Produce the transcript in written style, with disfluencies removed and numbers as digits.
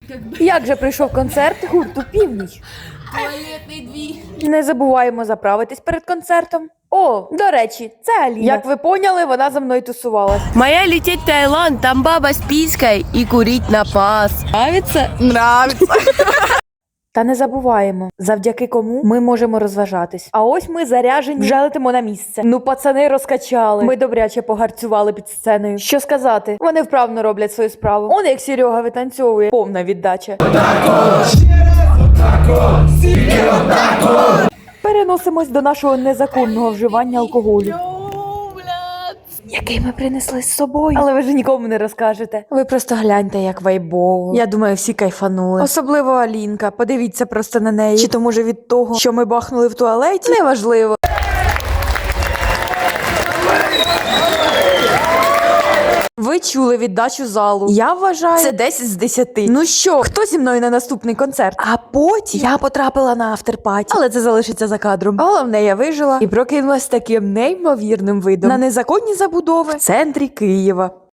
Як же прийшов концерт гурту «Північ»? Туалетний двір. Не забуваємо заправитись перед концертом. О, до речі, це Аліна. Як ви поняли, вона за мною тусувалась. Моя лететь в Таиланд, там баба с писькой и курить на пас. Нравится? Нравится. Та не забуваємо, завдяки кому ми можемо розважатись. А ось ми заряжені, вже летимо на місце. Ну, пацани розкачали. Ми добряче погарцювали під сценою. Що сказати? Вони вправно роблять свою справу. Он як Серега витанцьовує. Повна віддача. Переносимось до нашого незаконного вживання алкоголю. Який ми принесли з собою. Але ви ж нікому не розкажете. Ви просто гляньте, як вайбово. Я думаю, всі кайфанули. Особливо Алінка. Подивіться просто на неї. Чи то може від того, що ми бахнули в туалеті? Неважливо. Ви чули віддачу залу. Я вважаю, це 10 з 10. Ну що, хто зі мною на наступний концерт? А потім я потрапила на афтерпаті. Але це залишиться за кадром. Головне, я вижила і прокинулась таким неймовірним видом на незаконні забудови в центрі Києва.